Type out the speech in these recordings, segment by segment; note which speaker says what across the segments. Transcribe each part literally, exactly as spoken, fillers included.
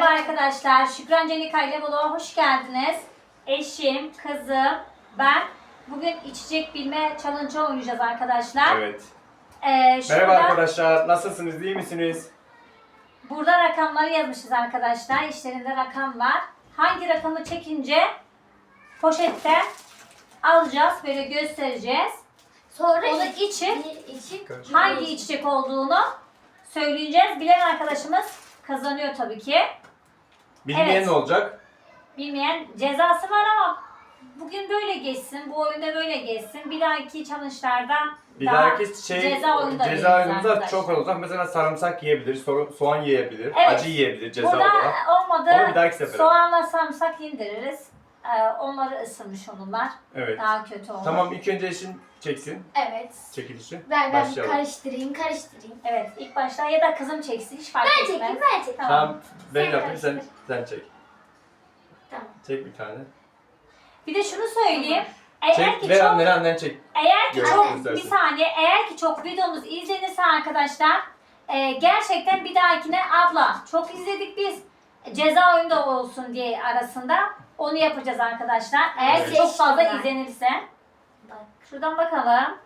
Speaker 1: arkadaşlar. Şükran Cenika ile Boluğa hoş geldiniz. Eşim, kızım, ben bugün içecek bilme challenge oynayacağız arkadaşlar.
Speaker 2: Evet.
Speaker 1: Ee, şurada,
Speaker 2: Merhaba arkadaşlar. Nasılsınız? İyi misiniz?
Speaker 1: Burada rakamları yazmışız arkadaşlar. İşlerinde rakam var. Hangi rakamı çekince poşette alacağız. Böyle göstereceğiz.
Speaker 3: Sonra
Speaker 1: Onun
Speaker 3: iç-
Speaker 1: için
Speaker 3: için
Speaker 1: hangi içecek olduğunu söyleyeceğiz. Bilen arkadaşımız kazanıyor tabii ki.
Speaker 2: Bilmeyen
Speaker 1: Evet.
Speaker 2: ne olacak?
Speaker 1: Bilmeyen cezası var ama bugün böyle geçsin, bu oyunda böyle geçsin. Bir dahaki challenge'larda
Speaker 2: Bir
Speaker 1: daha
Speaker 2: dahaki şey
Speaker 1: ceza oyunda
Speaker 2: ceza
Speaker 1: veririz
Speaker 2: oyununda
Speaker 1: arkadaşlar.
Speaker 2: çok olacak. Mesela sarımsak yiyebilir, so- soğan yiyebilir,
Speaker 1: Evet.
Speaker 2: acı yiyebilir ceza
Speaker 1: Burada
Speaker 2: olarak.
Speaker 1: olmadı,
Speaker 2: Onu bir dahaki sefere.
Speaker 1: soğanla sarımsak indiririz. Ee, onları ısırmış olurlar.
Speaker 2: Evet.
Speaker 1: Daha kötü olur.
Speaker 2: Tamam, ilk önce eşim çeksin
Speaker 3: evet.
Speaker 2: çekilişi.
Speaker 3: Ben ben bir
Speaker 2: Başlayalım.
Speaker 3: karıştırayım, karıştırayım.
Speaker 1: Evet, ilk başta ya da kızım çeksin, hiç fark
Speaker 3: Ben
Speaker 1: etmez.
Speaker 3: çekeyim, ben çekeyim.
Speaker 1: Tamam.
Speaker 2: Tamam, ben
Speaker 3: Sen
Speaker 2: yapayım, sen,
Speaker 3: karıştır.
Speaker 2: sen çek.
Speaker 3: Tamam.
Speaker 2: Çek bir tane.
Speaker 1: Bir de şunu söyleyeyim. Eğer
Speaker 2: Çek,
Speaker 1: ki
Speaker 2: ver
Speaker 1: çok
Speaker 2: annen, annen çek.
Speaker 1: Eğer ki
Speaker 2: Görmek
Speaker 1: çok
Speaker 2: istersin.
Speaker 1: bir saniye eğer ki çok videomuz izlenirse arkadaşlar e, gerçekten bir dahakine abla çok izledik biz ceza oyunda olsun diye arasında onu yapacağız arkadaşlar. Eğer
Speaker 2: Evet.
Speaker 1: ki çok fazla
Speaker 3: Seçtim ben.
Speaker 1: izlenirse.
Speaker 3: Bak.
Speaker 1: Şuradan bakalım.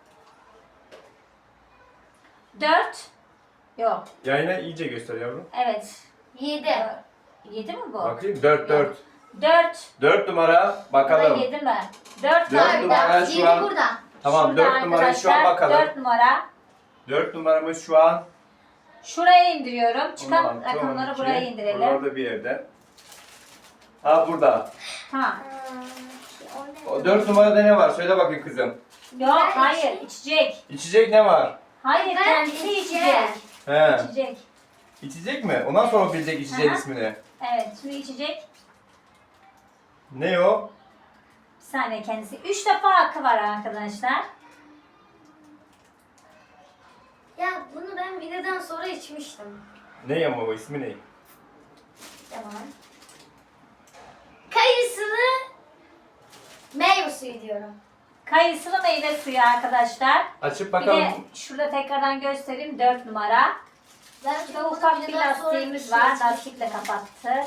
Speaker 1: dört. Yok.
Speaker 2: Yayına iyice göster yavrum.
Speaker 1: Evet.
Speaker 3: Yedi.
Speaker 1: yedi mi bu?
Speaker 2: Bakayım, dört dört.
Speaker 1: dört.
Speaker 2: dört numara
Speaker 1: Burada
Speaker 2: bakalım.
Speaker 1: yedi mi? dört
Speaker 2: Dört
Speaker 1: var.
Speaker 2: numara
Speaker 3: Burada.
Speaker 2: şu
Speaker 3: Yedi
Speaker 2: an-
Speaker 3: burada.
Speaker 2: Tamam,
Speaker 1: Şurada
Speaker 2: dört numarayı şu an
Speaker 1: arkadaşlar,
Speaker 2: bakalım.
Speaker 1: dört numara.
Speaker 2: dört numaramız şu an.
Speaker 1: Şuraya indiriyorum. Çıkan
Speaker 2: on altı,
Speaker 1: rakamları
Speaker 2: on iki.
Speaker 1: buraya indirelim.
Speaker 2: Orada bir yerde. Ha burada.
Speaker 1: Tamam.
Speaker 3: Aa, o ne?
Speaker 2: O dört numarada ne var? Söyle bakayım kızım.
Speaker 1: Yok
Speaker 3: Ben
Speaker 1: hayır
Speaker 3: içeyim.
Speaker 1: içecek.
Speaker 2: İçecek ne var?
Speaker 1: Hayır
Speaker 3: Ben
Speaker 1: kendisi
Speaker 3: içeceğim.
Speaker 1: içecek.
Speaker 2: He.
Speaker 1: İçecek.
Speaker 2: İçecek mi? Ondan sonra bilecek içeceğin
Speaker 1: Aha.
Speaker 2: ismini.
Speaker 1: Evet şimdi içecek.
Speaker 2: Ne o?
Speaker 1: Bir saniye kendisi. Üç defa hakkı var arkadaşlar.
Speaker 3: Ya bunu ben videodan sonra içmiştim.
Speaker 2: Ne ama o ismi ne?
Speaker 3: Tamam. Kayısılı meyve suyu diyorum.
Speaker 1: Kayısılı meyve suyu arkadaşlar.
Speaker 2: Açıp
Speaker 1: Bir
Speaker 2: bakalım.
Speaker 1: de şurada tekrardan göstereyim dört numara.
Speaker 3: Ben
Speaker 1: Şurada ufak bir lastiğimiz var. Lastikle kapattık.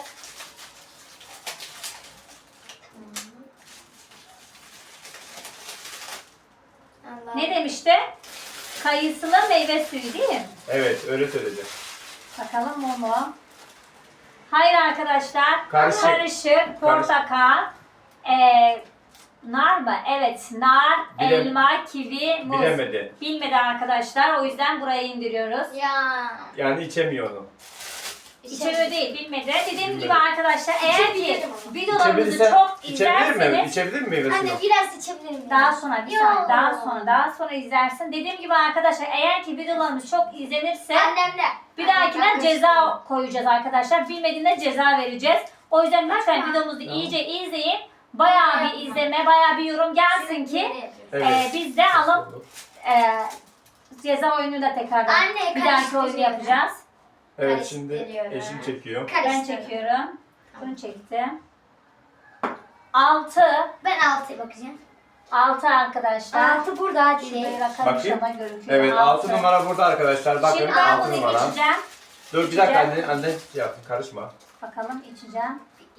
Speaker 1: Ne demişti? Kayısılı meyve suyu değil mi?
Speaker 2: Evet, öyle söyleyeceğim.
Speaker 1: Bakalım o mu? Hayır arkadaşlar.
Speaker 2: Karışık.
Speaker 1: Karışık, portakal, eee, nar mı? Evet, nar,
Speaker 2: Bilem-
Speaker 1: elma, kivi, muz.
Speaker 2: Bilemedi.
Speaker 1: Bilmedi arkadaşlar. O yüzden buraya indiriyoruz.
Speaker 3: Ya.
Speaker 2: Yani içemiyor onu.
Speaker 1: İçemiyor değil, bilmedi. Dediğim
Speaker 2: Bilmedi.
Speaker 1: gibi arkadaşlar eğer ki
Speaker 3: İçebilirim ama.
Speaker 1: videolarımızı
Speaker 2: İçebilirse,
Speaker 1: çok
Speaker 2: içebilir mi?
Speaker 1: izlerseniz
Speaker 2: İçebilir mi meyve suyunu?
Speaker 3: Anne biraz içebilir miyim?
Speaker 1: daha sonra bir
Speaker 3: Yo.
Speaker 1: saniye daha sonra daha sonra izlersin. Dediğim gibi arkadaşlar eğer ki videolarımız çok izlenirse
Speaker 3: Annemle.
Speaker 1: bir dahakine ceza koyacağız arkadaşlar. Bilmediğinde ceza vereceğiz. O yüzden lütfen
Speaker 3: Tamam.
Speaker 1: videomuzu iyice izleyin. Bayağı bir izleme, bayağı bir yorum gelsin ki
Speaker 2: Evet.
Speaker 1: e, biz de alıp e, ceza oyunu da tekrardan
Speaker 3: Anne,
Speaker 1: bir dahaki oyunu
Speaker 3: karıştırıyorum.
Speaker 1: yapacağız.
Speaker 2: Evet, şimdi
Speaker 3: Karıştırıyorum.
Speaker 2: eşim çekiyor.
Speaker 1: Ben çekiyorum. Bunu çektim. altı.
Speaker 3: Ben altıya bakacağım.
Speaker 1: altı arkadaşlar.
Speaker 3: Altı burada hadi.
Speaker 1: Şuraya rakam
Speaker 2: Bakayım.
Speaker 1: inşallah görünüyor.
Speaker 2: Evet, altı numara burada arkadaşlar. Bakın
Speaker 1: Şimdi ben
Speaker 2: altı
Speaker 1: bunu
Speaker 2: numara.
Speaker 1: içeceğim.
Speaker 2: Dur bir dakika
Speaker 1: içeceğim.
Speaker 2: anne, anne şey yapın, karışma.
Speaker 1: Bakalım içeceğim.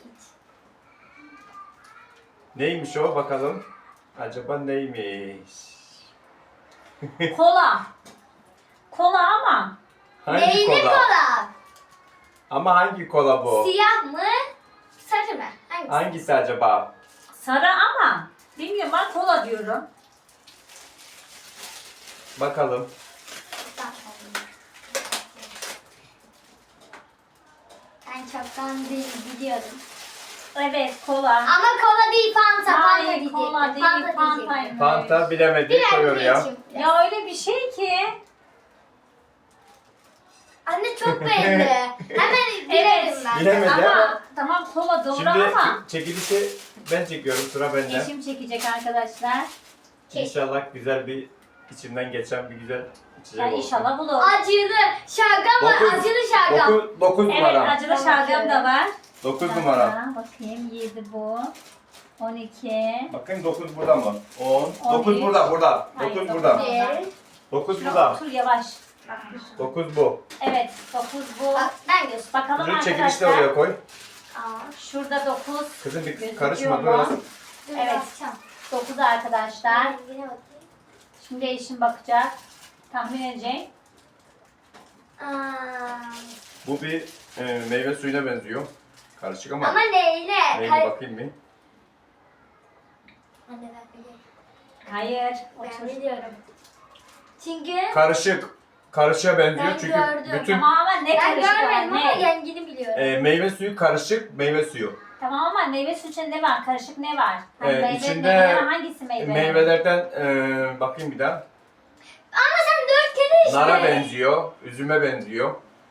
Speaker 2: Neymiş o bakalım. Acaba neymiş?
Speaker 1: Kola. Kola ama
Speaker 2: Hangi
Speaker 3: Neyli
Speaker 2: kola?
Speaker 3: kola?
Speaker 2: Ama hangi kola bu?
Speaker 3: Siyah mı? Sarı mı? Hangisi?
Speaker 2: Hangisi acaba?
Speaker 1: sarı ama bilmiyorum ben kola diyorum.
Speaker 2: Bakalım.
Speaker 3: Ben çoktan değil biliyorum.
Speaker 1: Evet kola.
Speaker 3: Ama kola değil Fanta. Fanta
Speaker 1: Hayır
Speaker 3: diyecektim.
Speaker 1: kola değil
Speaker 3: Fanta
Speaker 1: Fanta.
Speaker 3: diyecektim.
Speaker 2: Fanta bilemedi,
Speaker 3: Biraz
Speaker 2: koyuyor ya.
Speaker 3: içeyim.
Speaker 1: Ya öyle bir şey ki.
Speaker 3: Anne çok belli. Hemen bilerim ben.
Speaker 2: Bilemedi.
Speaker 1: Ama tamam kola doğru
Speaker 2: Şimdi
Speaker 1: ama
Speaker 2: çekilişi ben çekiyorum, sıra bende.
Speaker 1: eşim çekecek arkadaşlar.
Speaker 2: İnşallah güzel bir içimden geçen bir güzel içecek
Speaker 1: Ya
Speaker 2: olsun.
Speaker 1: inşallah bulur.
Speaker 3: Acılı şalgam var.
Speaker 2: Dokuz-
Speaker 3: Acılı şalgam.
Speaker 2: dokuz, dokuz
Speaker 1: Evet
Speaker 2: numara.
Speaker 1: acılı
Speaker 3: Tamam,
Speaker 1: şalgam
Speaker 3: şöyle.
Speaker 1: da var.
Speaker 2: dokuz numara.
Speaker 1: Aha, bakayım yedi bu. on iki.
Speaker 2: Bakın dokuz burada mı? on.
Speaker 1: On
Speaker 2: dokuz
Speaker 1: üç.
Speaker 2: burada, burada.
Speaker 1: Hayır,
Speaker 2: dokuz
Speaker 1: dokuz
Speaker 2: burada.
Speaker 1: değil.
Speaker 3: Bir.
Speaker 2: dokuz
Speaker 1: Şuraya
Speaker 2: burada.
Speaker 1: otur yavaş.
Speaker 2: dokuz bu.
Speaker 1: Evet dokuz bu.
Speaker 3: Bak, ben göster.
Speaker 1: Bakalım
Speaker 2: Ürün çekilişi de
Speaker 1: arkadaşlar.
Speaker 2: oraya koy.
Speaker 3: Aa,
Speaker 1: Şurada dokuz.
Speaker 2: Kızım bir
Speaker 1: Gözüküyor
Speaker 2: karışma
Speaker 1: mu?
Speaker 2: böyle.
Speaker 3: dur
Speaker 1: Evet.
Speaker 3: bakacağım.
Speaker 1: dokuz arkadaşlar.
Speaker 3: Rengine bakayım.
Speaker 1: Şimdi eşim bakacak. Tahmin edeceğim.
Speaker 3: Aa,
Speaker 2: Bu bir e, meyve suyuna benziyor. Karışık ama.
Speaker 3: ama neyle?
Speaker 2: Neyine
Speaker 3: Kay-
Speaker 2: bakayım bir.
Speaker 3: Anne ben biliyorum.
Speaker 1: Hayır.
Speaker 3: Ben
Speaker 1: Otur.
Speaker 3: biliyorum. Çünkü
Speaker 2: Karışık. Karışığa benziyor
Speaker 3: Ben
Speaker 2: çünkü
Speaker 3: gördüm.
Speaker 2: bütün
Speaker 1: Tamam ama ne
Speaker 3: ben
Speaker 1: karışık var?
Speaker 3: görmedim ama
Speaker 1: Ne?
Speaker 3: rengini biliyorum.
Speaker 2: e, meyve suyu karışık meyve suyu.
Speaker 1: Tamam ama meyve suyu içinde ne var? Karışık ne var? Hani
Speaker 2: Ee,
Speaker 1: meyve,
Speaker 2: içinde
Speaker 1: meyve hangisi
Speaker 2: E,
Speaker 1: meyve?
Speaker 2: meyvelerden e, bakayım bir daha.
Speaker 3: Ama sen dört kere işte.
Speaker 2: Nara benziyor, üzüme benziyor.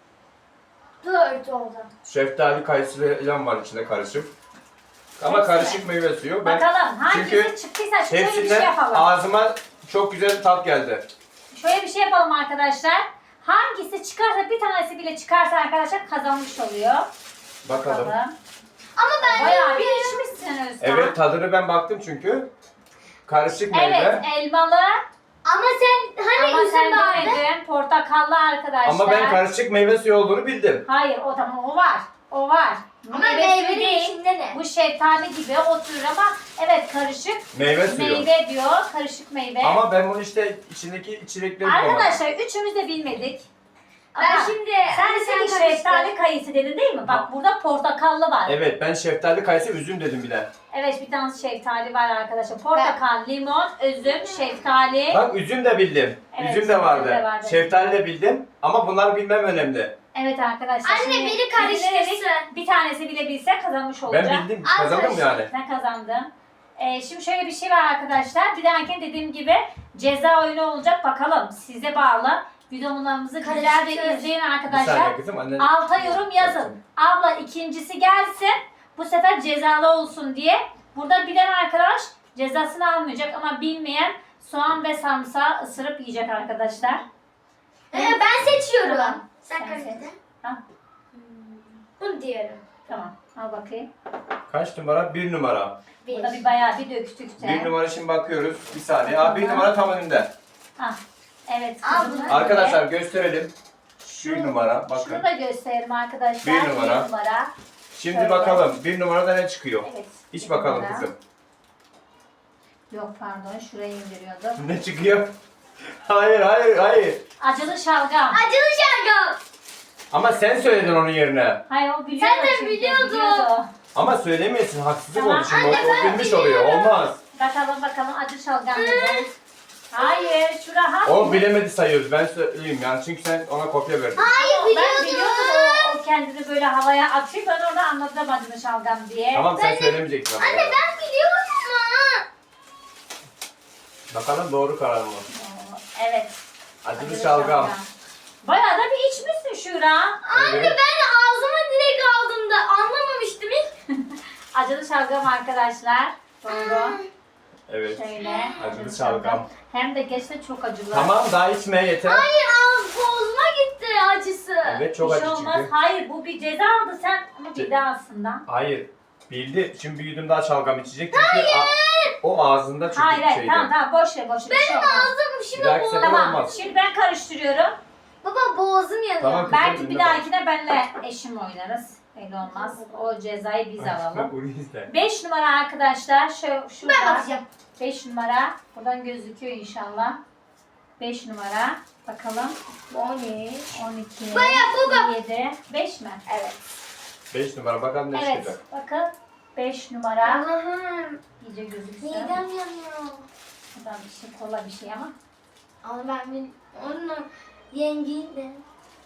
Speaker 3: Dört oldu.
Speaker 2: Şeftali, kayısı falan var içinde karışık. Ama
Speaker 1: Hepsi
Speaker 2: karışık meyve suyu. Ben
Speaker 1: Bakalım hangisi
Speaker 2: çünkü
Speaker 1: çıktıysa şöyle bir şey
Speaker 2: hepsinden
Speaker 1: yapalım.
Speaker 2: ağzıma çok güzel tat geldi.
Speaker 1: Şöyle bir şey yapalım arkadaşlar. Hangisi çıkarsa bir tanesi bile çıkarsa arkadaşlar kazanmış oluyor.
Speaker 2: Bakalım.
Speaker 3: Ama ben
Speaker 1: Bayağı bir içmişsin Özkan.
Speaker 2: Evet, tadını ben baktım çünkü. Karışık meyve.
Speaker 1: Evet elmalı
Speaker 3: Ama sen hani
Speaker 1: ama sen
Speaker 3: üzüm vardı.
Speaker 1: demedin portakallı arkadaşlar.
Speaker 2: Ama ben karışık meyve suyu olduğunu bildim.
Speaker 1: Hayır o tamam o var. O var.
Speaker 3: Ama
Speaker 1: Meyve suyu
Speaker 3: meyvenin
Speaker 1: değil.
Speaker 3: içinde ne?
Speaker 1: Bu şeftali gibi oturur ama evet karışık
Speaker 2: Meyve suyu.
Speaker 1: meyve diyor. Karışık meyve.
Speaker 2: Ama ben bunu işte içindeki içecekleri bulamadım.
Speaker 1: Arkadaşlar üçümüz de bilmedik.
Speaker 3: Ben
Speaker 1: Ama
Speaker 3: şimdi
Speaker 1: sen
Speaker 3: hani
Speaker 1: dedin ki
Speaker 3: karıştır.
Speaker 1: şeftali kayısı dedin değil mi? Bak
Speaker 2: Ha.
Speaker 1: burada portakallı var. Evet.
Speaker 2: Evet, ben şeftali, kayısı, üzüm dedim bir de.
Speaker 1: bir tane şeftali var arkadaşlar. Portakal, limon, üzüm, şeftali.
Speaker 2: Bak üzüm de bildim.
Speaker 1: Evet,
Speaker 2: üzüm de vardı.
Speaker 1: üzüm de vardı.
Speaker 2: Şeftali de bildim. Ama bunları bilmem önemli.
Speaker 1: Evet arkadaşlar.
Speaker 3: Anne,
Speaker 1: şimdi
Speaker 3: biri karıştırsın.
Speaker 1: bilgileri Bir tanesi bile bilse kazanmış olacak.
Speaker 2: Ben bildim.
Speaker 3: Az
Speaker 2: Kazandım
Speaker 3: önce-
Speaker 2: yani.
Speaker 1: Sen kazandın. Ee, şimdi şöyle bir şey var arkadaşlar. Bir dahaki dediğim gibi ceza oyunu olacak. Bakalım size bağlı. Videolarımızı güzelce
Speaker 3: Karıştır.
Speaker 1: izleyin
Speaker 2: Bir
Speaker 1: arkadaşlar.
Speaker 2: saniye kızım. Annen...
Speaker 1: Alta yorum yazın. Abla ikincisi gelsin. Bu sefer cezalı olsun diye. Burada bilen arkadaş cezasını almayacak ama bilmeyen soğan ve sarımsağı ısırıp yiyecek arkadaşlar.
Speaker 3: Ee, ben seçiyorum.
Speaker 1: Tamam.
Speaker 3: Sen
Speaker 1: Sen
Speaker 3: karıştır.
Speaker 1: seç. Ha,
Speaker 3: Bunu diyorum.
Speaker 1: tamam. Al bakayım.
Speaker 2: Kaç numara? Bir numara.
Speaker 3: Bir.
Speaker 1: Burada bir bayağı bir döktük de.
Speaker 2: Bir numara şimdi bakıyoruz. Bir saniye. Aa, bir numara tam önünde.
Speaker 1: Ah, evet.
Speaker 3: Al
Speaker 1: kızımın
Speaker 3: bunu.
Speaker 1: önünde.
Speaker 2: Arkadaşlar gösterelim. Bir numara.
Speaker 1: Şunu
Speaker 2: Bakın.
Speaker 1: da gösterelim arkadaşlar.
Speaker 2: Bir numara.
Speaker 1: Bir numara.
Speaker 2: Şimdi
Speaker 1: Şöyle.
Speaker 2: bakalım. Bir numarada ne çıkıyor?
Speaker 1: Evet.
Speaker 2: İç
Speaker 1: bir
Speaker 2: bakalım
Speaker 1: numara.
Speaker 2: kızım.
Speaker 1: Yok pardon şuraya indiriyordum.
Speaker 2: Ne çıkıyor? Hayır, hayır, hayır.
Speaker 1: Acılı şalgam.
Speaker 3: Acılı şalgam.
Speaker 2: Ama sen söyledin onun yerine.
Speaker 1: Hayır o biliyordu.
Speaker 3: Sen de
Speaker 1: çünkü,
Speaker 3: biliyordun.
Speaker 1: biliyordu.
Speaker 2: Ama söylemiyorsun. Haksızlık
Speaker 1: Tamam.
Speaker 2: oldu şimdi.
Speaker 3: Anne,
Speaker 2: o, o
Speaker 3: ben
Speaker 2: bilmiş oluyor. Olmaz.
Speaker 1: Bakalım bakalım acı şalgam dedi. Hayır şu rahat.
Speaker 2: O bilemedi sayıyoruz. Ben söyleyeyim yani. Çünkü sen ona kopya verdin.
Speaker 3: Hayır
Speaker 1: Ben
Speaker 3: biliyordum.
Speaker 1: biliyordum o, o kendini böyle havaya atıyor. Ben orada anladım acılı şalgam diye.
Speaker 2: Tamam sen
Speaker 3: Ben de-
Speaker 2: söylemeyeceksin. ama.
Speaker 3: Anne ben biliyorum ama.
Speaker 2: Bakalım doğru karar mı?
Speaker 1: Oo, Evet.
Speaker 2: Acılı şalgam.
Speaker 1: Bayağı da bir içmişsin Şura.
Speaker 3: Anne
Speaker 2: Evet.
Speaker 3: ben ağzıma direkt aldım da anlamamıştım ilk.
Speaker 1: Acılı şalgam arkadaşlar. Doğru.
Speaker 2: Evet.
Speaker 1: Şöyle.
Speaker 2: Acılı şalgam.
Speaker 1: Hem de gerçekten çok acılı.
Speaker 2: Tamam daha içmeye yeter.
Speaker 3: Hayır ağız boğazıma gitti acısı.
Speaker 2: Evet çok
Speaker 1: Bir
Speaker 2: acı
Speaker 1: şey olmaz.
Speaker 2: çıktı.
Speaker 1: Hayır bu bir ceza aldı sen ama bir daha aslında.
Speaker 2: Hayır. Bildi. Şimdi bir yudum daha şalgam içecek. Çünkü a- o ağzında çünkü
Speaker 1: Hayır hayır
Speaker 2: şeydi.
Speaker 1: tamam tamam boş ver boş ver. Bir şey olmaz.
Speaker 3: Ağzım
Speaker 2: Bir
Speaker 3: şimdi
Speaker 2: dahaki
Speaker 3: boğazım.
Speaker 2: sefer
Speaker 1: Tamam
Speaker 2: olmaz.
Speaker 1: şimdi ben karıştırıyorum.
Speaker 3: Baba boğazım yanıyor.
Speaker 2: Tamam. Kızım,
Speaker 1: Belki bir
Speaker 2: önüne
Speaker 1: dahakine benle eşim oynarız. Öyle olmaz. O cezayı biz alalım.
Speaker 2: Bunu izle.
Speaker 1: beş numara arkadaşlar. Şu,
Speaker 3: Ben
Speaker 1: şurada.
Speaker 3: bakacağım.
Speaker 1: beş numara. Buradan gözüküyor inşallah. beş numara. Bakalım.
Speaker 3: on üç.
Speaker 1: on iki.
Speaker 3: Bayağı baba.
Speaker 1: yedi. beş mi?
Speaker 3: Evet.
Speaker 2: beş numara bakalım ne
Speaker 1: Evet.
Speaker 2: çıkacak.
Speaker 1: Bakın. beş numara.
Speaker 3: Allah'ım.
Speaker 1: İyice gözüksün.
Speaker 3: Midem yanıyor.
Speaker 1: Buradan bir şey kola bir şey ama.
Speaker 3: Ama ben bil onu yengeyi de.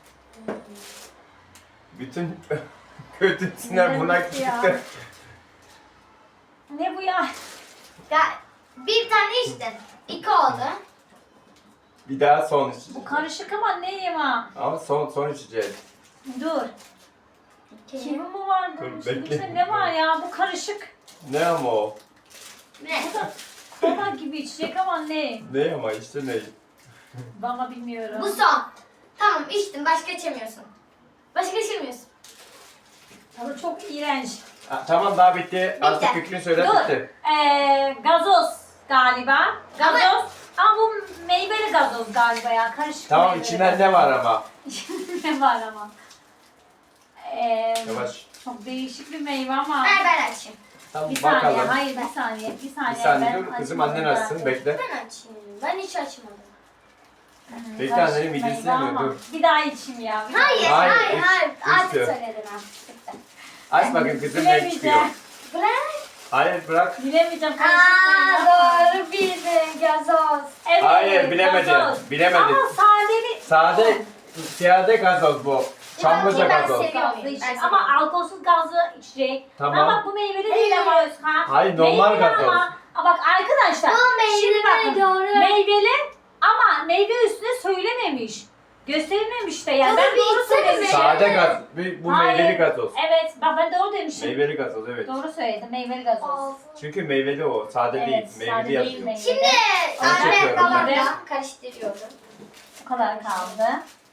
Speaker 2: Bütün kötü sinir buna
Speaker 1: Evet ya.
Speaker 2: çıktı.
Speaker 1: Ne bu ya?
Speaker 3: Ya bir tane içtin. İki oldu.
Speaker 2: Bir daha son içeceğiz.
Speaker 1: Bu karışık ama neyim ha?
Speaker 2: Ama son son içeceğiz.
Speaker 1: Dur.
Speaker 3: İki.
Speaker 1: Kimi mi var
Speaker 2: Dur,
Speaker 1: bunun
Speaker 2: bekle.
Speaker 1: içinde? Ne var ya? Bu karışık.
Speaker 2: Ne ama o?
Speaker 3: Ne?
Speaker 1: Kola gibi içecek ama ne?
Speaker 2: Ne ama işte ne?
Speaker 1: Bana bilmiyorum.
Speaker 3: Bu son. Tamam içtin. Başka içemiyorsun. Başka içemiyorsun.
Speaker 1: Tadı çok iğrenç.
Speaker 2: Ha, tamam daha bitti. Artık
Speaker 3: Bitti.
Speaker 2: fikrini söyle
Speaker 1: Dur.
Speaker 2: bitti.
Speaker 1: Ee, gazoz galiba. Gazoz. Ama bu meyveli gazoz galiba ya. Karışık
Speaker 2: Tamam
Speaker 1: meyveli
Speaker 2: içinden
Speaker 1: gazoz.
Speaker 2: ne var ama?
Speaker 1: Ne var ama? Ee,
Speaker 2: Yavaş.
Speaker 1: Çok değişik bir meyve ama.
Speaker 3: Ver ben açayım.
Speaker 2: Tamam
Speaker 1: Bir saniye,
Speaker 2: bakalım.
Speaker 1: hayır bir saniye, bir saniye.
Speaker 2: Bir saniye
Speaker 1: ben
Speaker 2: dur kızım
Speaker 1: açmadım
Speaker 2: annen açsın
Speaker 1: zaten.
Speaker 2: bekle.
Speaker 3: Ben açayım. Ben hiç açmadım.
Speaker 1: Hmm,
Speaker 2: Bekle
Speaker 1: karışık
Speaker 2: annenin midesi
Speaker 1: meyve
Speaker 2: yanıyor,
Speaker 1: ama.
Speaker 2: dur.
Speaker 1: Bir daha içeyim ya. bir daha.
Speaker 3: Hayır,
Speaker 2: Hayır,
Speaker 3: hayır,
Speaker 2: üç-
Speaker 3: hayır. Artık
Speaker 2: üçtü.
Speaker 3: söyledim artık. Bitti.
Speaker 2: Aç bakayım kızım ne çıkıyor.
Speaker 1: Bilemeyeceğim.
Speaker 3: Bırak.
Speaker 2: Hayır bırak.
Speaker 1: Bilemeyeceğim karışık
Speaker 3: Aa,
Speaker 1: meyve ama.
Speaker 3: doğru bildin gazoz.
Speaker 1: Evet,
Speaker 2: Hayır, bilemedin,
Speaker 1: gazoz.
Speaker 2: bilemedin.
Speaker 1: Ama sadeli.
Speaker 2: Sade, siyade gazoz bu. Çamlıca
Speaker 3: Ben
Speaker 2: gazoz.
Speaker 3: seviyorum.
Speaker 1: Gazlı içecek.
Speaker 3: Ben
Speaker 1: Ama
Speaker 3: seviyorum.
Speaker 1: alkolsüz gazlı içecek.
Speaker 2: Tamam.
Speaker 1: Ama bak bu meyveli değil ama Özkan.
Speaker 2: Hayır, normal
Speaker 1: Meyveli
Speaker 2: gazoz.
Speaker 1: Ama, ama bak arkadaşlar.
Speaker 3: Bu meyveli
Speaker 1: şimdi bakın,
Speaker 3: doğru.
Speaker 1: Meyveli ama meyve üstüne söylememiş. Gösterilmemiş de yani.
Speaker 3: Tabii
Speaker 1: Ben
Speaker 3: bir
Speaker 1: doğru
Speaker 3: içsene
Speaker 1: söylemişim.
Speaker 2: Sade gaz. Bu bu
Speaker 1: Hayır.
Speaker 2: meyveli gazoz.
Speaker 1: Evet bak ben doğru demişim.
Speaker 2: Meyveli gazoz evet.
Speaker 1: Doğru söyledim meyveli gazoz.
Speaker 3: Olsun.
Speaker 2: Çünkü meyveli o. Sade değil.
Speaker 1: Evet,
Speaker 2: Meyveli
Speaker 1: sade değil
Speaker 2: yazıyor.
Speaker 1: meyveli.
Speaker 3: Şimdi
Speaker 2: Onu
Speaker 3: anne
Speaker 2: çekiyorum ben.
Speaker 3: babamla karıştırıyorum.
Speaker 1: Bu kadar kaldı.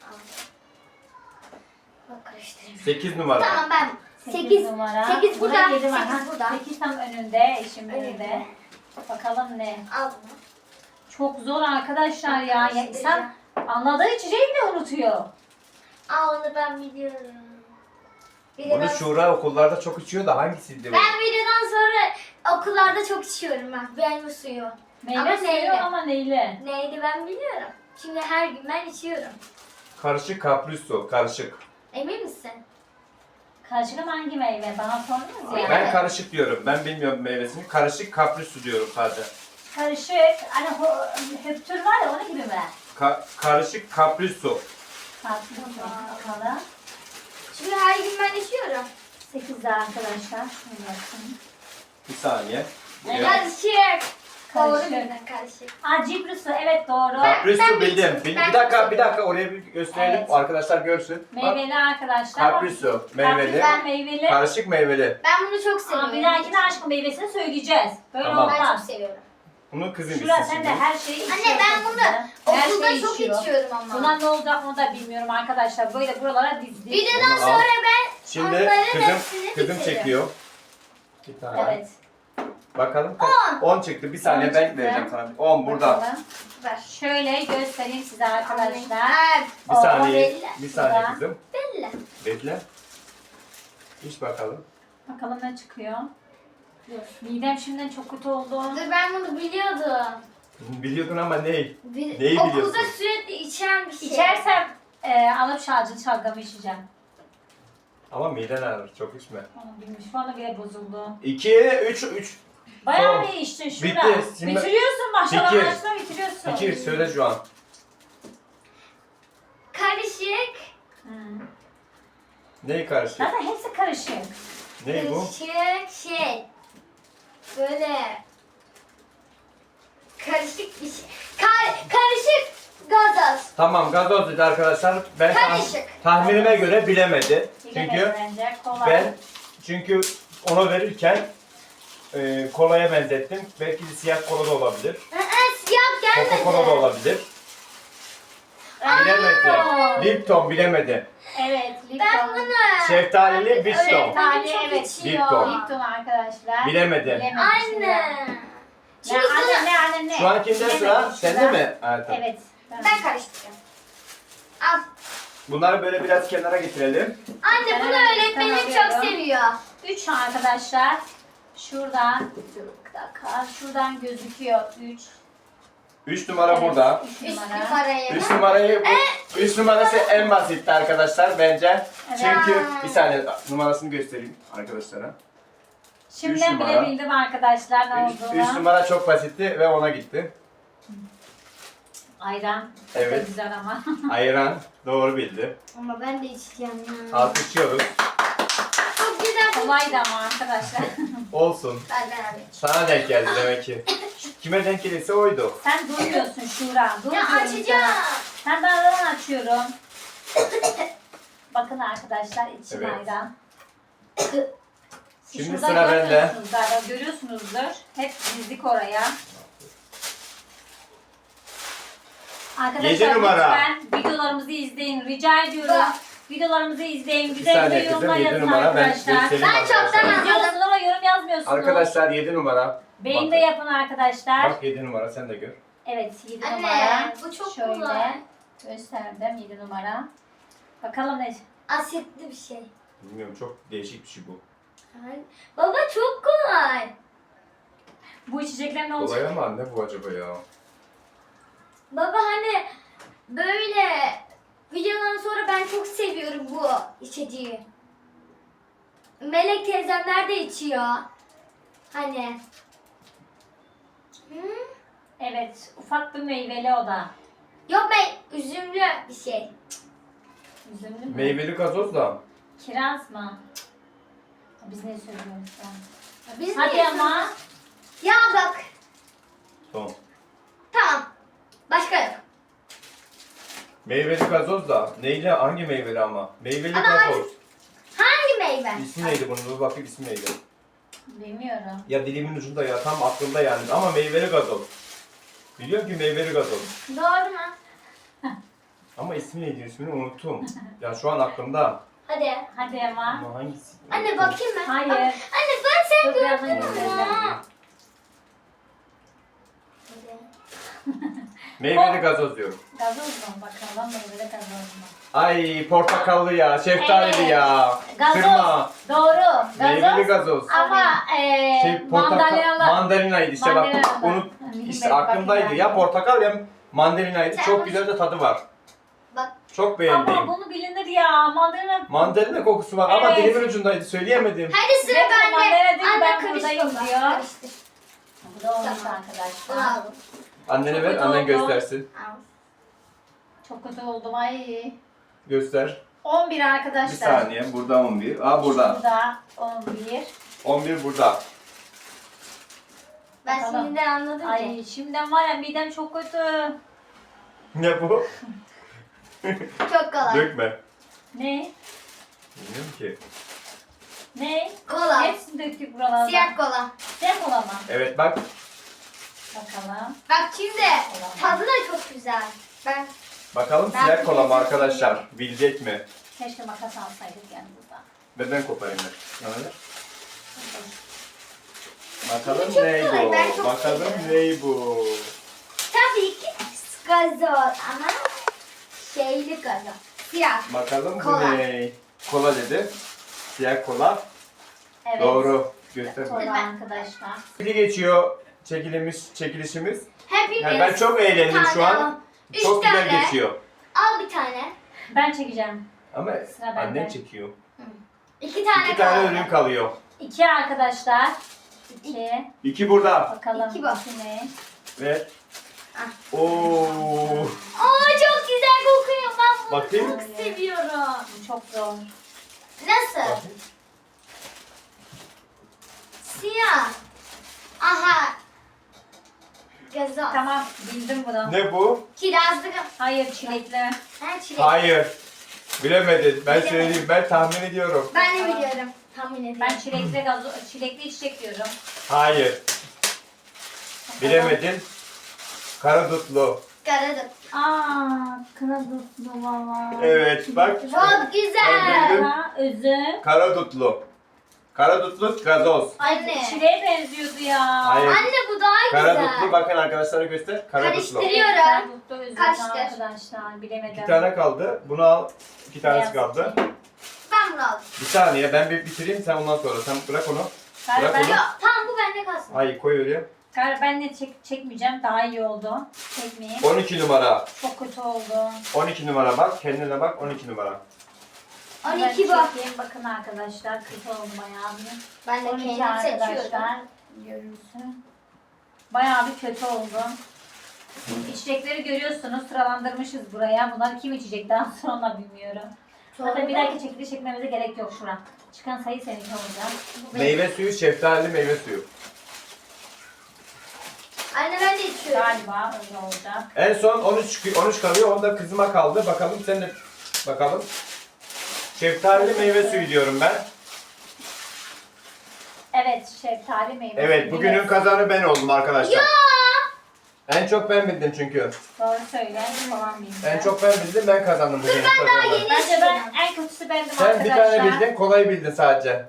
Speaker 3: Bak karıştırıyorum.
Speaker 2: sekiz numara.
Speaker 3: Tamam ben.
Speaker 1: sekiz
Speaker 3: sekiz.
Speaker 1: numara.
Speaker 3: sekiz burada,
Speaker 1: Burada yedi var.
Speaker 3: sekiz
Speaker 1: Ha,
Speaker 3: burada.
Speaker 1: sekiz tam önünde, eşim önünde.
Speaker 3: Önünde.
Speaker 1: Bakalım ne?
Speaker 3: Al bunu.
Speaker 1: Çok zor arkadaşlar ya. ya
Speaker 3: Karıştıracağım.
Speaker 1: insan anladığı içeceği bile unutuyor.
Speaker 3: Aa onu ben biliyorum. Bir de
Speaker 2: Bunu
Speaker 3: ben,
Speaker 2: Şura okullarda çok içiyor da hangisiydi bu?
Speaker 3: ben videodan sonra okullarda çok içiyorum ben. Meyve suyu.
Speaker 1: Meyve
Speaker 3: Ama
Speaker 1: suyu
Speaker 3: neyle?
Speaker 1: ama neyle?
Speaker 3: Neydi ben biliyorum. Şimdi her gün ben içiyorum.
Speaker 2: Karışık kapriso. Karışık.
Speaker 3: Emin misin?
Speaker 1: Karışık ama hangi meyve? Bana sordunuz ya.
Speaker 2: Ben karışık diyorum. Ben bilmiyorum meyvesini. Karışık kapriso diyorum sadece.
Speaker 1: Karışık. Hani ho- höptür var ya onun gibi mi?
Speaker 2: Ka- karışık kapriso.
Speaker 1: Farklı mı? Bakalım.
Speaker 3: Şimdi her gün ben içiyorum.
Speaker 1: sekizde arkadaşlar. Şunu yapayım.
Speaker 2: Bir saniye.
Speaker 1: Evet.
Speaker 2: Evet.
Speaker 3: Karışık. Doğru
Speaker 1: Karışık.
Speaker 3: bildin karışık.
Speaker 1: Aa cibri su. Evet doğru.
Speaker 2: Kapriso
Speaker 3: Ben
Speaker 2: bildim.
Speaker 3: bir-
Speaker 2: Bil-
Speaker 3: ben
Speaker 2: bir dakika,
Speaker 3: bir-
Speaker 2: bir dakika oraya bir gösterelim.
Speaker 1: Evet.
Speaker 2: Arkadaşlar görsün. Bak,
Speaker 1: Meyveli arkadaşlar.
Speaker 2: kapriso, meyveli.
Speaker 1: Kapriso meyveli.
Speaker 2: Karışık meyveli.
Speaker 3: Ben bunu çok
Speaker 1: Aa,
Speaker 3: seviyorum.
Speaker 1: bir dahakine aşkın meyvesini söyleyeceğiz. Böyle
Speaker 2: Tamam.
Speaker 3: Ben çok
Speaker 1: olmaz.
Speaker 3: seviyorum.
Speaker 2: Bunu kızım
Speaker 1: Şura
Speaker 2: içsin
Speaker 1: sen de
Speaker 2: şimdi.
Speaker 1: her şeyi içiyorsun.
Speaker 3: Anne ben bunu
Speaker 1: kızım. Her
Speaker 3: okulda
Speaker 1: şeyi
Speaker 3: çok
Speaker 1: içiyor.
Speaker 3: içiyorum ama.
Speaker 1: Buna ne olacak onu da bilmiyorum arkadaşlar. Böyle buralara dizdik.
Speaker 3: Videodan
Speaker 2: Onu al.
Speaker 3: sonra ben
Speaker 2: Şimdi
Speaker 3: onların
Speaker 2: kızım,
Speaker 3: hepsini
Speaker 2: kızım
Speaker 3: bitiririm.
Speaker 2: çekiyor. Bir tane.
Speaker 1: Evet.
Speaker 2: Bakalım. on çıktı. Bir saniye
Speaker 1: On
Speaker 2: ben
Speaker 1: çıktı.
Speaker 2: vereceğim sana. on burada.
Speaker 1: Bakalım.
Speaker 3: Ver.
Speaker 1: Şöyle göstereyim size arkadaşlar.
Speaker 3: Evet.
Speaker 2: Bir
Speaker 1: O
Speaker 2: saniye.
Speaker 3: belli.
Speaker 2: Bir saniye
Speaker 1: Şurada.
Speaker 2: kızım.
Speaker 3: Belli.
Speaker 2: Bekle. İç bakalım.
Speaker 1: Bakalım ne çıkıyor. Dur. Midem şimdiden çok kötü oldu.
Speaker 3: Dur ben bunu biliyordum.
Speaker 2: Biliyordun ama ne?
Speaker 3: Bil-
Speaker 2: Neyi
Speaker 3: Okulda
Speaker 2: biliyorsun?
Speaker 3: sürekli içen bir şey.
Speaker 1: İçersem e, alıp şarjlı çalgamı içeceğim.
Speaker 2: Ama miden ağrır. Çok içme.
Speaker 1: Onu bilmiş. Şu anda bile bozuldu.
Speaker 2: iki, üç, üç.
Speaker 1: Bayağı
Speaker 2: Son.
Speaker 1: bir içtin şurada.
Speaker 2: Bitti. Şimdi-
Speaker 1: Bitiriyorsun maşallah.
Speaker 2: Fikir.
Speaker 1: Maşallah bitiriyorsun.
Speaker 2: İki, söyle şu an.
Speaker 3: Karışık.
Speaker 1: Hmm.
Speaker 2: Neyi karışık?
Speaker 1: Zaten hepsi karışık.
Speaker 2: Ney bu?
Speaker 3: Karışık şey. Böyle. Karışık bir şey. Kar karışık gazoz.
Speaker 2: Tamam gazoz dedi arkadaşlar. Ben tah-
Speaker 3: Karışık.
Speaker 2: tahminime göre bilemedi.
Speaker 1: Bilemedi
Speaker 2: Çünkü
Speaker 1: bence. Kolay.
Speaker 2: ben çünkü ona verirken e, kolaya benzettim. Belki de siyah kola da olabilir.
Speaker 3: Aa, siyah gelmedi.
Speaker 2: Coca-Cola da olabilir. Bilemedi. Lipton bilemedi.
Speaker 1: Evet. Lipton.
Speaker 3: Ben bunu.
Speaker 2: Şeftalili
Speaker 3: Öyle
Speaker 2: Lipton.
Speaker 1: Şeftali,
Speaker 3: çok
Speaker 1: evet.
Speaker 3: içiyor.
Speaker 2: Lipton.
Speaker 1: Lipton arkadaşlar.
Speaker 2: Bilemedi.
Speaker 1: Bilemedi.
Speaker 3: Anne.
Speaker 1: Ne
Speaker 3: Şimdi
Speaker 1: anne
Speaker 3: sana
Speaker 1: ne anne ne?
Speaker 2: Şu an kimde sıra?
Speaker 1: Bilemedi.
Speaker 2: Sende
Speaker 1: Sıra-
Speaker 2: mi? Evet.
Speaker 1: Evet. Ben.
Speaker 3: ben karıştıracağım. Al.
Speaker 2: Bunları böyle biraz kenara getirelim.
Speaker 3: Anne
Speaker 1: Ben
Speaker 3: bunu
Speaker 1: hemen
Speaker 3: öğretmenim
Speaker 1: alıyorum.
Speaker 3: çok seviyor.
Speaker 1: Üç arkadaşlar. Şuradan. Bir dakika. Şuradan gözüküyor. Üç.
Speaker 2: üç numara
Speaker 1: Evet,
Speaker 2: burada.
Speaker 1: Üç
Speaker 3: Üst
Speaker 1: numara.
Speaker 3: numarayı.
Speaker 2: üç numarayı bu, üç numarası en basitti arkadaşlar bence.
Speaker 1: Evet.
Speaker 2: Çünkü bir saniye numarasını göstereyim arkadaşlara.
Speaker 1: Şimdiden
Speaker 2: Üç
Speaker 1: bile
Speaker 2: numara.
Speaker 1: bildim arkadaşlar ne
Speaker 2: üç
Speaker 1: olduğunu.
Speaker 2: numara çok basitti ve ona gitti.
Speaker 1: Ayran. Çok da
Speaker 2: Evet.
Speaker 1: güzel ama.
Speaker 2: Ayran doğru bildi.
Speaker 3: Ama ben de içeceğim ya.
Speaker 2: Alkışlıyoruz.
Speaker 3: Çok güzel.
Speaker 1: Kolaydı ama arkadaşlar.
Speaker 2: Olsun.
Speaker 3: Ben ben alayım.
Speaker 2: Sana denk geldi demek ki. Kime denk gelirse oydu.
Speaker 1: Sen durmuyorsun Şura. Dur
Speaker 3: Ya
Speaker 1: diyorum
Speaker 3: açacağım.
Speaker 1: sana. Ben de aradan açıyorum. Bakın arkadaşlar içim
Speaker 2: Evet.
Speaker 1: ayran.
Speaker 2: Şimdi
Speaker 1: Şurada
Speaker 2: sıra bende.
Speaker 1: görmüyorsunuz galiba, görüyorsunuzdur. Hep dizdik oraya. Arkadaşlar
Speaker 2: Yedi numara.
Speaker 1: lütfen videolarımızı izleyin. Rica ediyorum.
Speaker 3: Bak.
Speaker 1: Videolarımızı izleyin.
Speaker 2: Bir
Speaker 1: Güzel
Speaker 2: saniye
Speaker 1: bir
Speaker 2: kızım
Speaker 1: yorumlar
Speaker 2: yedi
Speaker 1: yazın
Speaker 2: numara ben
Speaker 1: arkadaşlar.
Speaker 2: göstereyim
Speaker 3: Ben çoktan
Speaker 2: arkadaşlar.
Speaker 3: anladım.
Speaker 1: İzliyorsunuz ama yorum yazmıyorsunuz.
Speaker 2: Arkadaşlar yedi numara.
Speaker 1: Beğeni
Speaker 2: Bak-
Speaker 1: de yapın arkadaşlar.
Speaker 2: Bak yedi numara sen de gör.
Speaker 1: Evet yedi
Speaker 3: Anne,
Speaker 1: numara.
Speaker 3: bu çok
Speaker 1: Şöyle
Speaker 3: kolay.
Speaker 1: gösterdim yedi numara. Bakalım ne?
Speaker 3: Asitli bir şey.
Speaker 2: Bilmiyorum, çok değişik bir şey bu.
Speaker 3: Ay, Baba çok kolay.
Speaker 1: Bu içecekler ne olacak?
Speaker 2: Kolay ama ne bu acaba ya?
Speaker 3: Baba hani böyle videodan sonra ben çok seviyorum bu içeceği. Melek teyzemler de içiyor. Hani. Hı?
Speaker 1: Evet ufak bir meyveli o da.
Speaker 3: Yok ben üzümlü bir şey.
Speaker 1: Üzümlü mü?
Speaker 2: Meyveli gazoz da.
Speaker 1: Kiraz mı? Biz ne söylüyoruz ya?
Speaker 3: Biz
Speaker 1: Hadi
Speaker 3: niye
Speaker 1: ama.
Speaker 3: söylüyoruz? Ya bak.
Speaker 2: Tamam.
Speaker 3: Tamam. Başka yok.
Speaker 2: Meyveli gazoz da. Neyle? Hangi meyveli ama? Meyveli
Speaker 3: Ama
Speaker 2: gazoz.
Speaker 3: Hangi meyve?
Speaker 2: İsmi neydi bunun? Dur bakayım, ismi neydi?
Speaker 1: Bilmiyorum.
Speaker 2: Ya dilimin ucunda ya, tam aklımda yani. Ama meyveli gazoz. Biliyorum ki meyveli gazoz.
Speaker 3: Doğru mu?
Speaker 2: Ama ismi neydi? İsmini unuttum. Ya şu an aklımda.
Speaker 3: Hadi.
Speaker 1: Hadi ama.
Speaker 2: Ama hangisi?
Speaker 3: Anne bakayım ben.
Speaker 1: Hayır.
Speaker 3: Anne ben sen
Speaker 1: Dur, biraz
Speaker 3: gördün
Speaker 1: daha
Speaker 3: mü?
Speaker 1: göstereyim.
Speaker 3: Hadi.
Speaker 2: Meyveli gazoz diyorum.
Speaker 1: Gazoz mu? Bakalım meyveli gazoz mu?
Speaker 2: Ay portakallı ya, şeftalili
Speaker 1: Evet.
Speaker 2: ya.
Speaker 1: Gazoz.
Speaker 2: Kırma.
Speaker 1: Doğru.
Speaker 2: Meyveli
Speaker 1: Gazoz.
Speaker 2: gazoz.
Speaker 1: Ama eee
Speaker 2: Şey portakal,
Speaker 1: mandalinalı.
Speaker 2: mandalinaydı işte bak.
Speaker 1: Mandalinalı.
Speaker 2: Unut,
Speaker 1: Bilmiyorum,
Speaker 2: işte aklımdaydı.
Speaker 1: bakayım
Speaker 2: Ya
Speaker 1: ben.
Speaker 2: portakal ya mandalinaydı.
Speaker 3: Sen
Speaker 2: Çok
Speaker 3: bunu-
Speaker 2: güzel de tadı var.
Speaker 3: Bak.
Speaker 2: Çok beğendim.
Speaker 1: Ama bunu bilinir ya. Mandalina.
Speaker 2: Mandalina kokusu var ama
Speaker 1: Evet.
Speaker 2: dilimin ucundaydı. Söyleyemedim.
Speaker 3: Hadi sıra
Speaker 1: Direkt
Speaker 3: bende.
Speaker 1: mandalina değil,
Speaker 3: Anne
Speaker 1: ben
Speaker 3: karıştır
Speaker 1: buradayım
Speaker 3: baba,
Speaker 1: diyor.
Speaker 3: karıştır.
Speaker 1: Bu da olmuş
Speaker 3: Tamam.
Speaker 1: arkadaşlar.
Speaker 3: Bravo.
Speaker 2: Annene
Speaker 1: Çok
Speaker 2: ver,
Speaker 1: kötü
Speaker 2: annen
Speaker 1: oldu.
Speaker 2: göstersin.
Speaker 3: Al.
Speaker 1: Çok kötü oldum ay.
Speaker 2: Göster.
Speaker 1: on bir
Speaker 2: Bir
Speaker 1: arkadaşlar.
Speaker 2: saniye. Burada on bir. Aa burada.
Speaker 1: Burada on bir.
Speaker 2: on bir burada.
Speaker 3: Ben
Speaker 1: Bakalım.
Speaker 3: şimdiden anladım ki.
Speaker 1: Ay şimdiden var ya midem çok kötü.
Speaker 2: Ne bu?
Speaker 3: Çok kolay.
Speaker 2: Dökme.
Speaker 1: Ne?
Speaker 2: Bilmiyorum ki.
Speaker 1: Ne?
Speaker 3: Kola.
Speaker 1: Hepsini döktük buralarda.
Speaker 3: Siyah kola.
Speaker 1: Siyah kola mı?
Speaker 2: Evet bak.
Speaker 1: Bakalım.
Speaker 3: Bak şimdi tadı da çok güzel. Ben
Speaker 2: Bakalım
Speaker 3: Ben
Speaker 2: siyah kola mı
Speaker 3: bilmiyorum.
Speaker 2: arkadaşlar? Bilecek mi?
Speaker 1: Keşke makas alsaydık yanımızda.
Speaker 2: Ve ben koparayım da. Bana ver. Bakalım
Speaker 3: çok
Speaker 2: ne
Speaker 3: kolay,
Speaker 2: bu?
Speaker 3: ben çok
Speaker 2: Bakalım
Speaker 3: seviyorum.
Speaker 2: ne bu?
Speaker 3: tabii ki gazoz ama şeyli gazoz. Siyah.
Speaker 2: Bakalım
Speaker 3: Kola.
Speaker 2: bu ne? Kola dedi. Siyah kola.
Speaker 1: Evet.
Speaker 2: Doğru. Göster.
Speaker 1: Kola arkadaşlar.
Speaker 2: Çekili geçiyor çekilimiz, çekilişimiz.
Speaker 3: Hepimiz
Speaker 2: Yani ben çok
Speaker 3: bir
Speaker 2: eğlendim
Speaker 3: tane
Speaker 2: şu an.
Speaker 3: al. Üç
Speaker 2: Çok güzel
Speaker 3: tane.
Speaker 2: geçiyor.
Speaker 3: Al bir tane.
Speaker 1: Ben çekeceğim.
Speaker 2: Ama
Speaker 1: Sıra bende.
Speaker 2: annem çekiyor.
Speaker 3: İki tane
Speaker 2: İki tane
Speaker 3: kaldı.
Speaker 2: ürün kalıyor.
Speaker 1: İki arkadaşlar. İki.
Speaker 2: İki burada.
Speaker 1: Bakalım.
Speaker 3: İki bu.
Speaker 1: iki ne?
Speaker 2: Ve
Speaker 3: Ah.
Speaker 2: ooo.
Speaker 3: Aa çok güzel kokuyor. Ben bunu
Speaker 2: Bakayım.
Speaker 3: çok seviyorum.
Speaker 1: Bu çok zor.
Speaker 3: Nasıl? Siyah. Aha. Gazoz.
Speaker 1: Tamam bildim bunu.
Speaker 2: Ne bu?
Speaker 3: Kirazlı.
Speaker 1: Hayır çilekli.
Speaker 3: Ha çilek.
Speaker 2: Hayır. Bilemedin. Ben
Speaker 3: Bilemedim.
Speaker 2: söyleyeyim. Ben tahmin ediyorum.
Speaker 3: Ben de biliyorum. Tahmin ediyorum.
Speaker 1: Ben çilekli gazo çilekli içecek diyorum.
Speaker 2: Hayır.
Speaker 1: Bakalım.
Speaker 2: Bilemedin. Karadutlu.
Speaker 3: Karadım.
Speaker 1: Aa, kıradutlu valla.
Speaker 2: Evet bak.
Speaker 3: Çok
Speaker 2: Ben
Speaker 3: güzel.
Speaker 2: bildim.
Speaker 1: Ha, üzüm.
Speaker 2: Karadutlu. Karadutlu gazoz.
Speaker 3: Anne.
Speaker 1: Çileğe benziyordu ya.
Speaker 2: Hayır.
Speaker 3: Anne bu daha
Speaker 2: Karadutlu
Speaker 3: güzel.
Speaker 2: bakın arkadaşlara göster. Karadutlu.
Speaker 3: Karıştırıyor.
Speaker 1: Karadutlu üzüm
Speaker 3: Kaçtır?
Speaker 1: arkadaşlar. Bilemedim.
Speaker 2: İki tane kaldı. Bunu al. İki tanesi
Speaker 1: Beyaz
Speaker 2: kaldı.
Speaker 1: içeyim.
Speaker 3: Ben bunu aldım.
Speaker 2: Bir saniye ben bir bitireyim sen ondan sonra. Sen bırak onu.
Speaker 1: Galiba
Speaker 2: Bırak
Speaker 1: ben,
Speaker 2: onu.
Speaker 3: Yok tamam bu bende kalsın.
Speaker 2: Hayır koy oraya.
Speaker 1: galiba ben de çek, çekmeyeceğim. Daha iyi oldu. Çekmeyeyim.
Speaker 2: on iki numara.
Speaker 1: Çok kötü oldu.
Speaker 2: on iki numara bak. Kendine bak on iki numara.
Speaker 3: on
Speaker 1: Ben
Speaker 3: iki bu.
Speaker 1: çekeyim. Bakın arkadaşlar. Kötü oldu bayağı bir.
Speaker 3: Ben de
Speaker 1: on iki
Speaker 3: kendim seçiyorum.
Speaker 1: arkadaşlar. Görürsün. Bayağı bir kötü oldu. İçecekleri görüyorsunuz. Sıralandırmışız buraya. Bunları kim içecek daha sonra bilmiyorum. Zaten bir dahaki çekiliş çekmemize gerek yok şura. Çıkan sayı seninki olacak. Bu benim.
Speaker 2: Meyve suyu, şeftali meyve suyu.
Speaker 3: Anne ben de içiyorum.
Speaker 1: Galiba öyle olacak.
Speaker 2: En son on üç on üç kalıyor. Onda kızıma kaldı. Bakalım sen de bakalım. Şeftalili meyve suyu diyorum ben.
Speaker 1: Evet, şeftali meyve.
Speaker 2: Evet,
Speaker 1: suyu.
Speaker 2: bugünün
Speaker 1: Evet.
Speaker 2: kazanı ben oldum arkadaşlar. En çok ben bildim çünkü.
Speaker 1: Doğru söyle. Falan bildim.
Speaker 2: En çok ben bildim, ben kazandım bugünün kazanını.
Speaker 3: yeni-
Speaker 1: Bence ben en kötüsü bendim
Speaker 2: Sen bir
Speaker 1: arkadaşlar.
Speaker 2: tane bildin, kolay bildin sadece.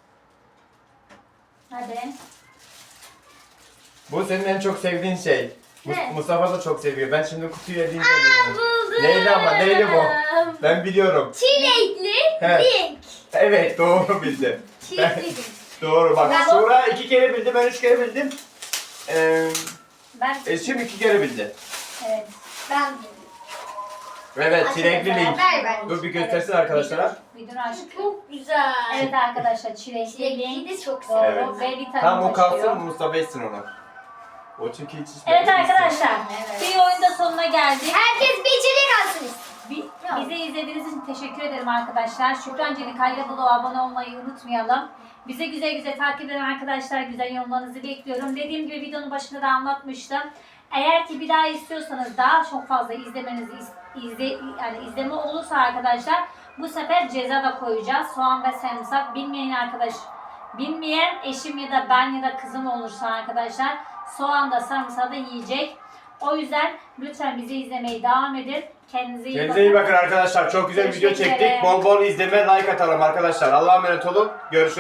Speaker 1: Hadi.
Speaker 2: Bu senin en çok sevdiğin şey. Mus-
Speaker 3: Ne?
Speaker 2: Mustafa da çok seviyor. Ben şimdi kutuyu eleyince
Speaker 3: Buldum.
Speaker 2: Neyli ama neyli bu? Ben biliyorum.
Speaker 3: Çilekli
Speaker 2: He.
Speaker 3: Link.
Speaker 2: Evet doğru bildi.
Speaker 1: Çilekli.
Speaker 2: Doğru bak.
Speaker 1: Ben-
Speaker 2: Şura iki kere bildi, ben üç kere bildim. Ee,
Speaker 1: Ben
Speaker 2: Eşim iki kere bildi.
Speaker 1: evet.
Speaker 3: Ben bildim.
Speaker 2: Evet,
Speaker 3: Aç
Speaker 2: çilekli
Speaker 3: mesela,
Speaker 2: link.
Speaker 3: ver ben.
Speaker 2: Dur bir göstersin arkadaşlara.
Speaker 1: Bir dur aşkım.
Speaker 3: Çok güzel.
Speaker 1: Evet arkadaşlar çilekli
Speaker 3: Çilekli
Speaker 1: link.
Speaker 3: de çok
Speaker 1: Doğru.
Speaker 3: seviyorum.
Speaker 1: Ve vitamin
Speaker 2: Tam o
Speaker 1: taşıyor.
Speaker 2: kalsın, Mustafa etsin onu. O çünkü hiç içmedi.
Speaker 1: Evet arkadaşlar.
Speaker 3: Evet.
Speaker 1: Bir oyunda sonuna geldik.
Speaker 3: Herkes bir içecek alsın istedim.
Speaker 1: Bi- Bizi izlediğiniz için teşekkür ederim arkadaşlar. Şükran Cenikay'la Buluğa abone olmayı unutmayalım. Bize güzel güzel takip eden arkadaşlar, güzel yorumlarınızı bekliyorum. Dediğim gibi videonun başında da anlatmıştım. Eğer ki bir daha istiyorsanız daha çok fazla izlemenizi is- izle yani izleme olursa arkadaşlar bu sefer ceza da koyacağız. Soğan ve sarımsak bilmeyen arkadaş bilmeyen eşim ya da ben ya da kızım olursa arkadaşlar soğan da sarımsağı da yiyecek. O yüzden lütfen bizi izlemeye devam edin. Kendinize iyi
Speaker 2: Kendinize iyi bakın arkadaşlar. Çok güzel bir video
Speaker 1: Görüşmek
Speaker 2: çektik.
Speaker 1: üzere.
Speaker 2: Bol bol izleme, like atalım arkadaşlar. Allah'a emanet olun. Görüşürüz.